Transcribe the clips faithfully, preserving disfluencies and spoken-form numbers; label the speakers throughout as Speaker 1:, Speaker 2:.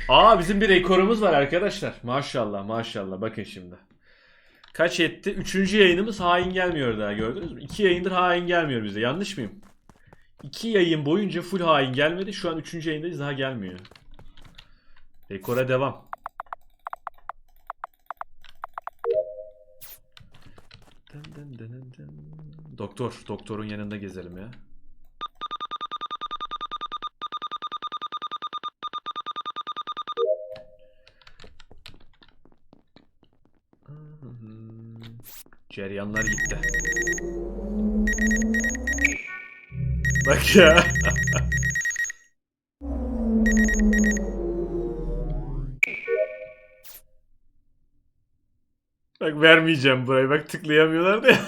Speaker 1: Aa bizim bir rekorumuz var arkadaşlar. Maşallah maşallah. Bakın şimdi. Kaç etti? Üçüncü yayınımız hain gelmiyor daha, gördünüz mü? İki yayındır hain gelmiyor bize. Yanlış mıyım? İki yayın boyunca full hain gelmedi. Şu an üçüncü yayındayız, daha gelmiyor. Rekora devam. Doktor. Doktorun yanında gezelim ya. Ceryanlar gitti. Bak ya. Bak vermeyeceğim burayı. Bak tıklayamıyorlar da.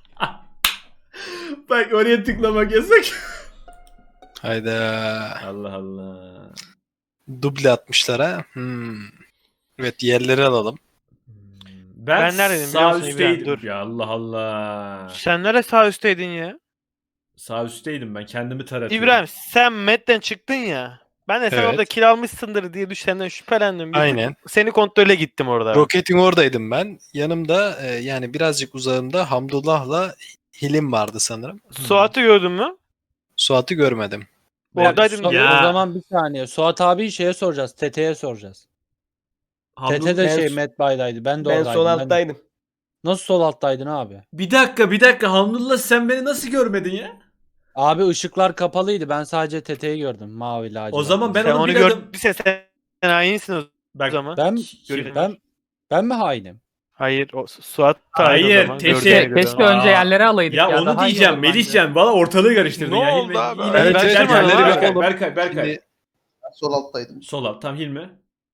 Speaker 1: Bak oraya tıklamak yasak.
Speaker 2: Hayda.
Speaker 1: Allah Allah.
Speaker 2: Duble atmışlar ha. Hmm. Evet, yerleri alalım.
Speaker 1: Ben,
Speaker 3: Ben neredeydim biliyor
Speaker 1: sağ
Speaker 3: musun İbrahim?
Speaker 1: üstteydim.
Speaker 3: Dur.
Speaker 1: Ya Allah Allah.
Speaker 3: Sen nerede sağ üstteydin ya?
Speaker 1: Sağ üstteydim ben. Kendimi taratıyorum.
Speaker 3: İbrahim sen Med'den çıktın ya. Ben de sen
Speaker 2: Evet.
Speaker 3: orada kil almışsındır diye düş senden şüphelendim. Bir
Speaker 2: Aynen.
Speaker 3: Seni kontrole gittim orada.
Speaker 2: Roketin oradaydım ben. Yanımda e, yani birazcık uzağımda Hamdullah'la Hilim vardı sanırım.
Speaker 3: Suat'ı gördün mü?
Speaker 2: Suat'ı görmedim.
Speaker 3: Oradaydım
Speaker 4: Su-
Speaker 3: diye.
Speaker 1: Ya.
Speaker 4: O zaman bir saniye. Suat abi şeye soracağız. T T'ye soracağız.
Speaker 1: Hamdun-
Speaker 4: T T de
Speaker 5: Ben
Speaker 4: şey
Speaker 5: su-
Speaker 4: Matt Bay'daydı. Ben de
Speaker 5: Ben
Speaker 4: oradaydım.
Speaker 5: sol
Speaker 4: Ben de-
Speaker 5: alttaydım.
Speaker 4: Nasıl sol alttaydın abi?
Speaker 1: Bir dakika bir dakika. Hamdullah sen beni nasıl görmedin ya?
Speaker 4: Abi ışıklar kapalıydı. Ben sadece T T'yi gördüm. Mavi lacivert.
Speaker 1: O zaman ben
Speaker 3: Sen
Speaker 1: onu
Speaker 3: onu
Speaker 1: bir adım...
Speaker 3: gördüysen sen hainsin o
Speaker 1: Bak,
Speaker 3: zaman.
Speaker 4: Ben
Speaker 3: Görüyorum.
Speaker 4: ben ben mi hainim?
Speaker 3: Hayır o Suat da
Speaker 1: Hayır,
Speaker 3: aynı o zaman.
Speaker 1: teşekkür-
Speaker 3: Gördüğüne göre.
Speaker 6: Keşke
Speaker 1: Aa.
Speaker 6: önce yerleri alaydık ya.
Speaker 1: Ya onu
Speaker 6: daha iyi
Speaker 1: diyeceğim
Speaker 6: olur bence.
Speaker 1: Melihcan. Valla ortalığı karıştırdın
Speaker 3: Ne
Speaker 1: ya.
Speaker 3: oldu
Speaker 1: Hilmi,
Speaker 3: abi?
Speaker 1: Hilmi,
Speaker 2: Evet,
Speaker 1: Hilmi,
Speaker 2: evet,
Speaker 1: Berkay,
Speaker 2: yerleri
Speaker 1: Berkay,
Speaker 2: bakalım.
Speaker 1: Berkay, Berkay.
Speaker 2: Şimdi
Speaker 7: Sol alttaydım.
Speaker 1: Sol alt. Tam Hilmi.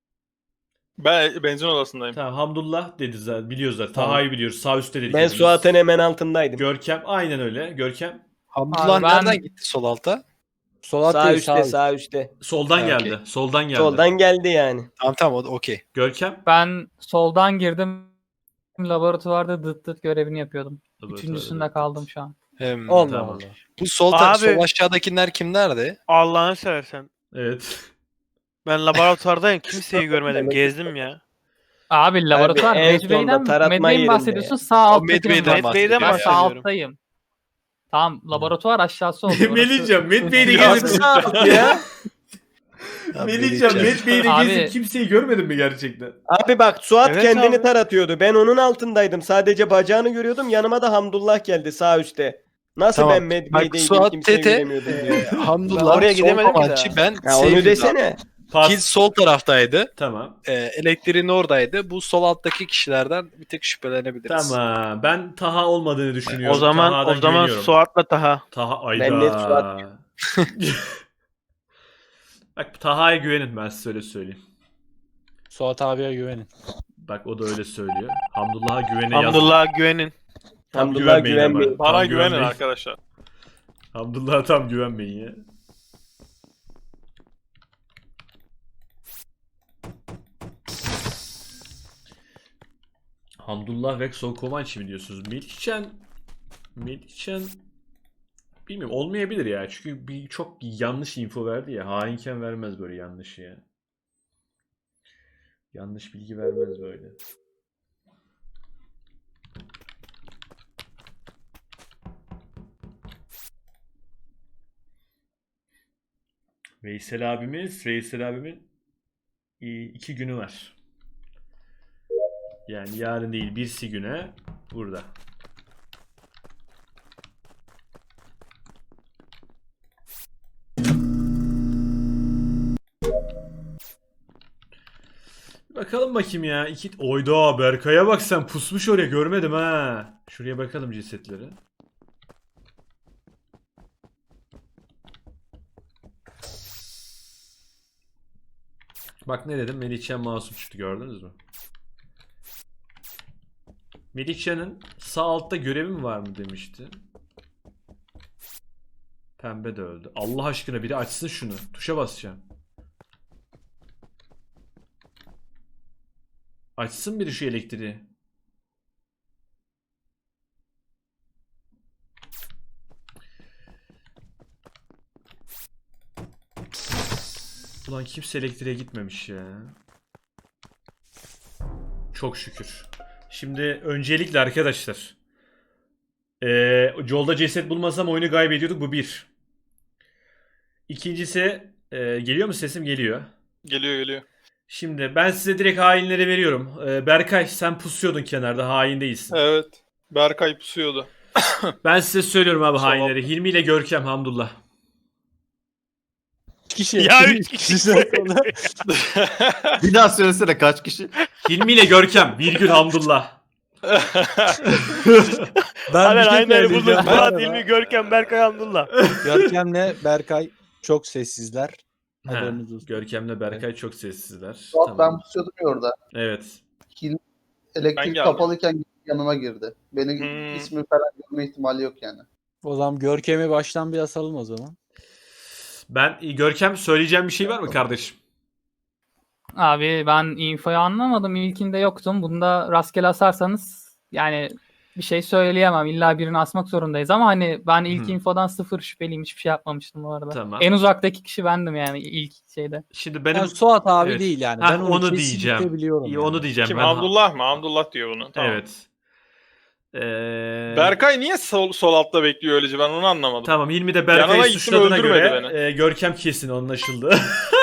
Speaker 8: Ben benzin odasındayım.
Speaker 1: Tamam Hamdullah dedi zaten. Biliyoruz zaten.
Speaker 5: Tamam.
Speaker 1: Taha'yı biliyoruz. Sağ üstte dedik.
Speaker 5: Ben
Speaker 1: hepimiz.
Speaker 5: Suat'ın hemen altındaydım.
Speaker 1: Görkem aynen öyle. Görkem
Speaker 2: Hamdullah
Speaker 6: Abi ben-
Speaker 2: nereden gitti sol alta?
Speaker 4: Sol alt
Speaker 5: Sağ
Speaker 4: değil,
Speaker 5: üstte,
Speaker 4: sağ
Speaker 5: sağ,
Speaker 4: üst.
Speaker 5: üstte.
Speaker 1: soldan
Speaker 2: Ha,
Speaker 1: geldi.
Speaker 2: okey.
Speaker 1: Soldan geldi.
Speaker 5: Soldan geldi yani.
Speaker 2: Tamam tamam, o da okey.
Speaker 1: Görkem.
Speaker 6: Ben soldan girdim. Laboratuvarda dıt dıt görevini yapıyordum. Üçüncüsünde kaldım şu an.
Speaker 2: Hem,
Speaker 4: Allah
Speaker 1: Tamam.
Speaker 4: Allah.
Speaker 2: bu sol, ta-
Speaker 3: Abi-
Speaker 2: sol aşağıdakiler kimlerdi?
Speaker 3: Allah'ını seversen.
Speaker 1: Evet.
Speaker 3: Ben laboratuvardayım. Kimseyi görmedim. Gezdim ya.
Speaker 6: Abi laboratuvar
Speaker 5: en
Speaker 6: Medbay'den
Speaker 5: sonda taratma
Speaker 6: Medbay'den
Speaker 5: yerinde
Speaker 6: bahsediyorsun.
Speaker 5: ya.
Speaker 6: Sağ
Speaker 2: O
Speaker 6: alttaki
Speaker 2: Medbay'den
Speaker 6: ben
Speaker 3: Medbay'den
Speaker 6: Ben sağ
Speaker 3: bahsediyorum.
Speaker 6: alttayım. Tamam laboratuvar aşağısı oldu. orası.
Speaker 1: Melihcan, Met Bey'le
Speaker 5: Ya
Speaker 1: gezip...
Speaker 5: Suat ya.
Speaker 2: Ya,
Speaker 1: Melihcan,
Speaker 2: Melihcan.
Speaker 1: Met Bey'le
Speaker 6: Abi-
Speaker 1: gezip kimseyi görmedin mi gerçekten?
Speaker 5: Abi bak Suat
Speaker 3: Evet
Speaker 5: kendini
Speaker 3: abi.
Speaker 5: taratıyordu. Ben onun altındaydım. Sadece bacağını görüyordum. Yanıma da Hamdullah geldi sağ üstte. Nasıl
Speaker 2: Tamam.
Speaker 5: ben
Speaker 2: Bak,
Speaker 5: Medbay'deydim
Speaker 2: Suat
Speaker 5: kimseyi
Speaker 2: Tete,
Speaker 5: göremiyordum diyor.
Speaker 2: e, Hamdullah
Speaker 3: Ben oraya
Speaker 2: sol
Speaker 3: gidemedim ki
Speaker 2: komançı,
Speaker 3: daha.
Speaker 2: ben
Speaker 5: Ya onu
Speaker 2: Seyfullah.
Speaker 5: desene.
Speaker 1: Pas.
Speaker 2: Kil sol taraftaydı.
Speaker 1: Tamam.
Speaker 2: E, elektriğin oradaydı. Bu sol alttaki kişilerden bir tek şüphelenebiliriz.
Speaker 1: Tamam. Ben Taha olmadığını düşünüyorum.
Speaker 3: O zaman
Speaker 1: Taha'dan
Speaker 3: o zaman
Speaker 1: güveniyorum.
Speaker 3: Suat'la Taha.
Speaker 1: Taha ayda.
Speaker 5: Ben net Suat
Speaker 1: Bak Taha'ya güvenin, ben size öyle söyleyeyim.
Speaker 4: Suat abiye güvenin.
Speaker 1: Bak o da öyle söylüyor. Hamdullah'a güvene yaz.
Speaker 3: Hamdullah'a güvenin.
Speaker 1: Tam
Speaker 5: Hamdullah'a
Speaker 1: güvenmeyin ama.
Speaker 5: güvenmeyin.
Speaker 1: Tam
Speaker 8: Bana güvenin
Speaker 1: güvenmeyin.
Speaker 8: arkadaşlar.
Speaker 1: Hamdullah'a tam güvenmeyin ya. Hamdullah ve Sol Komançı mı diyorsunuz? Melihcan Melihcan bilmiyorum, olmayabilir ya. Çünkü bir çok yanlış info verdi ya. Hainken vermez böyle yanlış ya. Yanlış bilgi vermez böyle. Veysel abimiz, Veysel abimin i- iki günü var. Yani yarın değil, birsi güne burada. Bakalım bakayım ya. İki... Oyda Berkay'a bak sen, pusmuş oraya, görmedim ha. Şuraya bakalım cesetleri. Bak ne dedim? Melihcan masum çıktı, gördünüz mü? Melihcan'ın sağ altta görevi mi var mı demişti. Pembe de öldü. Allah aşkına biri açsın şunu. Tuşa basacağım. Açsın biri şu elektriği. Ulan kimse elektriğe gitmemiş ya. Çok şükür. Şimdi öncelikle arkadaşlar. Ee, yolda ceset bulmasam oyunu kaybediyorduk. Bu bir. İkincisi e, geliyor mu sesim? Geliyor.
Speaker 8: Geliyor geliyor.
Speaker 1: Şimdi ben size direkt hainleri veriyorum. Ee, Berkay sen pusuyordun kenarda. Hain değilsin.
Speaker 8: Evet. Berkay pusuyordu.
Speaker 1: Ben size söylüyorum abi
Speaker 8: Sol
Speaker 1: hainleri. Hilmi ile Görkem Hamdullah.
Speaker 2: Üç kişi.
Speaker 3: Ya üç kişi.
Speaker 7: Bir daha söylesene kaç kişi?
Speaker 1: Hilmi ile Görkem virgül Hamdullah.
Speaker 2: Ben
Speaker 3: Haber
Speaker 2: bir şey
Speaker 3: aynıları bulduk.
Speaker 2: söyleyeceğim.
Speaker 3: Murat, İlmi, Görkem, Berkay, Hamdullah.
Speaker 4: Görkem'le Berkay çok sessizler.
Speaker 1: Ha,
Speaker 4: Haberiniz olsun.
Speaker 1: Görkem'le Berkay çok sessizler.
Speaker 9: Suat
Speaker 1: Tamam.
Speaker 9: ben pusuyordum ya orada.
Speaker 1: Evet.
Speaker 9: Hilmi
Speaker 8: Ben
Speaker 9: elektrik
Speaker 8: geldim.
Speaker 9: kapalıyken yanıma girdi. Beni
Speaker 8: Hmm.
Speaker 9: ismi falan görme ihtimali yok yani.
Speaker 4: O zaman Görkem'i baştan bir asalım o zaman.
Speaker 1: Ben Görkem söyleyeceğim bir şey var mı kardeşim?
Speaker 6: Abi ben infoyu anlamadım. İlkinde yoktum. Bunda rastgele asarsanız yani bir şey söyleyemem. İlla birini asmak zorundayız ama hani ben ilk
Speaker 1: Hı.
Speaker 6: infodan sıfır şüpheliyim. Hiçbir şey yapmamıştım bu arada.
Speaker 1: Tamam.
Speaker 6: En uzaktaki kişi bendim yani ilk şeyde.
Speaker 1: Şimdi benim
Speaker 4: Yani Suat abi
Speaker 1: Evet.
Speaker 4: değil yani.
Speaker 1: Ha,
Speaker 4: ben onu,
Speaker 1: onu
Speaker 4: kesinlikle
Speaker 1: diyeceğim.
Speaker 4: biliyorum.
Speaker 1: İyi,
Speaker 4: yani.
Speaker 1: onu diyeceğim.
Speaker 8: Kim?
Speaker 1: Ben-
Speaker 8: Hamdullah mı? Hamdullah diyor bunu. Tamam.
Speaker 1: Evet. Ee,
Speaker 8: Berkay niye sol, sol altta bekliyor öylece, ben onu anlamadım.
Speaker 1: Tamam Hilmi de
Speaker 8: Yanına
Speaker 1: Berkay'ı
Speaker 8: gittim,
Speaker 1: suçladığına
Speaker 8: öldürmedi
Speaker 1: göre
Speaker 8: beni.
Speaker 1: e, Görkem kesin anlaşıldı.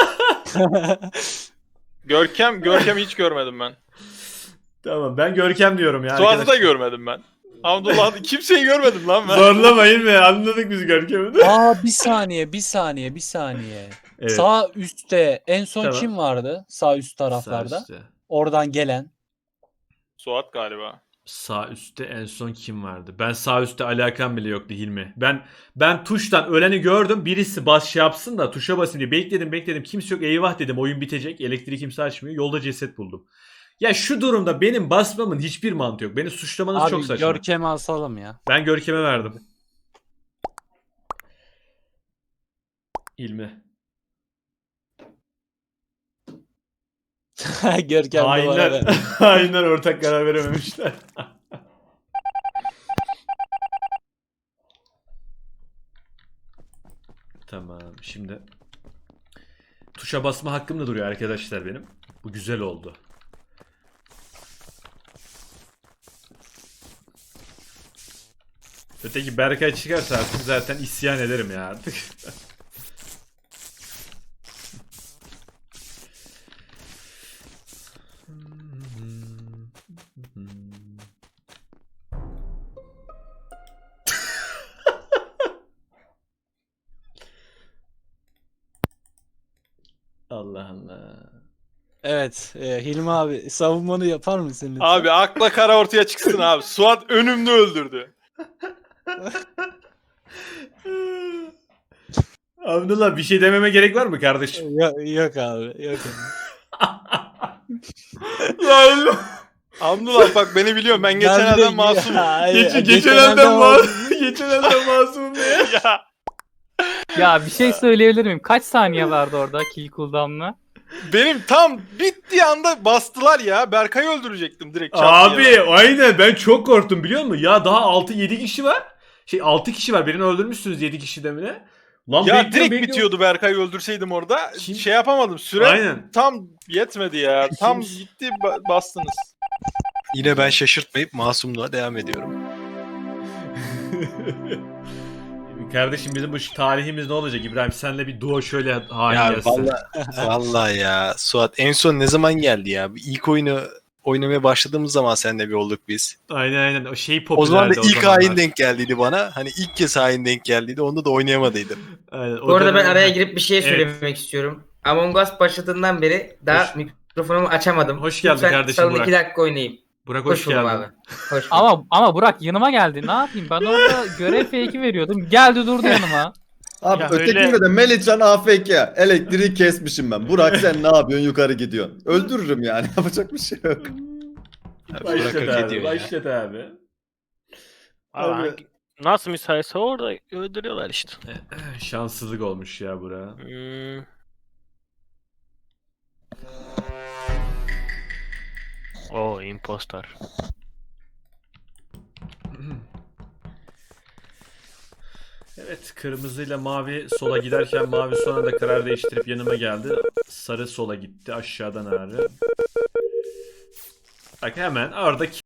Speaker 8: Görkem, Görkem'i hiç görmedim ben.
Speaker 1: Tamam ben Görkem diyorum ya.
Speaker 8: Suat'ı da
Speaker 1: arkadaşlar.
Speaker 8: görmedim ben. Hamdullah kimseyi görmedim lan ben.
Speaker 1: Zorlamayın mı? Anladık biz Görkem'i de.
Speaker 4: Aa bir saniye, bir saniye, bir saniye.
Speaker 1: Evet.
Speaker 4: Sağ üstte en son
Speaker 1: Tamam.
Speaker 4: kim vardı? Sağ üst
Speaker 1: Sağ
Speaker 4: taraflarda.
Speaker 1: üstte.
Speaker 4: Oradan gelen.
Speaker 8: Suat galiba.
Speaker 1: Sağ üstte en son kim vardı? Ben sağ üstte alakam bile yoktu Hilmi. Ben ben tuştan öleni gördüm. Birisi bas şey yapsın da tuşa basın diye bekledim bekledim. Kimse yok, eyvah dedim, oyun bitecek. Elektriği kimse açmıyor. Yolda ceset buldum. Ya şu durumda benim basmamın hiçbir mantığı yok. Beni suçlamanız
Speaker 4: Abi
Speaker 1: çok saçma.
Speaker 4: Görkem'i asalım ya.
Speaker 1: Ben Görkem'e verdim. Hilmi.
Speaker 4: Görkem de
Speaker 1: Hainler,
Speaker 4: bana ver.
Speaker 1: hainler ortak karar verememişler. Tamam şimdi tuşa basma hakkım da duruyor arkadaşlar benim. Bu güzel oldu. Öteki Berkay çıkarsa artık zaten isyan ederim ya artık. Allah Allah.
Speaker 4: Evet, e, Hilmi abi savunmanı yapar mısın lütfen?
Speaker 8: Abi akla kara ortaya çıksın abi. Suat önümde öldürdü.
Speaker 1: Abdullah bir şey dememe gerek var mı kardeşim?
Speaker 4: Yok, yok abi, yok abi.
Speaker 8: Hamdullah bak beni biliyorum, ben geçen
Speaker 4: Ben bir de-
Speaker 8: elden masumum.
Speaker 4: Hayır,
Speaker 1: Geçen,
Speaker 4: geçen
Speaker 1: geçen
Speaker 4: elden
Speaker 1: elden
Speaker 4: var.
Speaker 1: masum. Geçen elden masum diye.
Speaker 8: Ya
Speaker 6: Ya bir şey söyleyebilir miyim? Kaç saniye vardı orada kill cooldown'la?
Speaker 8: benim tam bittiği anda bastılar ya. Berkay'ı öldürecektim direkt. çat
Speaker 1: Abi
Speaker 8: diye.
Speaker 1: aynen ben çok korktum biliyor musun? Ya daha altı yedi kişi var. Şey altı kişi var. Birini öldürmüşsünüz yedi kişiden bile. Lan
Speaker 8: Ya
Speaker 1: bekliyorum,
Speaker 8: direkt
Speaker 1: bekliyorum.
Speaker 8: bitiyordu Berkay'ı öldürseydim orada.
Speaker 1: Kim?
Speaker 8: Şey yapamadım. Süre
Speaker 1: Aynen.
Speaker 8: tam yetmedi ya. Tam
Speaker 1: Kim?
Speaker 8: gitti ba- bastınız.
Speaker 2: Yine ben şaşırtmayıp masumluğa devam ediyorum.
Speaker 1: Kardeşim bizim bu tarihimiz ne olacak İbrahim? Senle bir duo şöyle hain
Speaker 2: Ya
Speaker 1: gelsin.
Speaker 2: vallahi, vallahi ya Suat en son ne zaman geldi ya? İlk oyunu oynamaya başladığımız zaman seninle bir olduk biz.
Speaker 1: Aynen aynen. O şey
Speaker 2: O zaman da
Speaker 1: popülerdi
Speaker 2: ilk
Speaker 1: zamanlar.
Speaker 2: hain denk geldiydi bana. Hani ilk kez hain denk geldiydi. Onda da oynayamadıydım.
Speaker 1: Aynen, o
Speaker 10: Bu arada ben
Speaker 1: dönem-
Speaker 10: araya girip bir şey
Speaker 1: Evet.
Speaker 10: söylemek istiyorum. Among Us başladığından beri daha
Speaker 1: Hoş-
Speaker 10: mikrofonumu açamadım.
Speaker 1: Hoş geldin
Speaker 10: Lütfen
Speaker 1: kardeşim
Speaker 10: salın
Speaker 1: Burak.
Speaker 10: iki dakika oynayayım.
Speaker 1: Burak hoş,
Speaker 10: Hoş buldum
Speaker 1: geldin.
Speaker 10: abi. Hoş buldum.
Speaker 6: Ama ama Burak yanıma geldi. Ne yapayım? Ben orada görev fake'i veriyordum. Geldi durdu yanıma.
Speaker 7: Abi
Speaker 3: Ya
Speaker 7: ötekinde
Speaker 3: öyle-
Speaker 7: de Melihcan A F K. Elektriği kesmişim ben. Burak sen ne yapıyorsun, yukarı gidiyorsun. Öldürürüm yani. Yapacak bir şey yok.
Speaker 2: Abi,
Speaker 1: Başlat
Speaker 2: Burak hak
Speaker 1: abi.
Speaker 2: ediyor ya.
Speaker 1: Başlat abi.
Speaker 3: Abi,
Speaker 1: Abi.
Speaker 3: hangi- nasıl müsaitse orada öldürüyorlar işte.
Speaker 1: Şanssızlık olmuş ya Burak.
Speaker 3: Hmm. O impostor.
Speaker 1: Evet, kırmızıyla mavi sola giderken mavi son anda karar değiştirip yanıma geldi. Sarı sola gitti aşağıdan ağrı. Bak hemen orada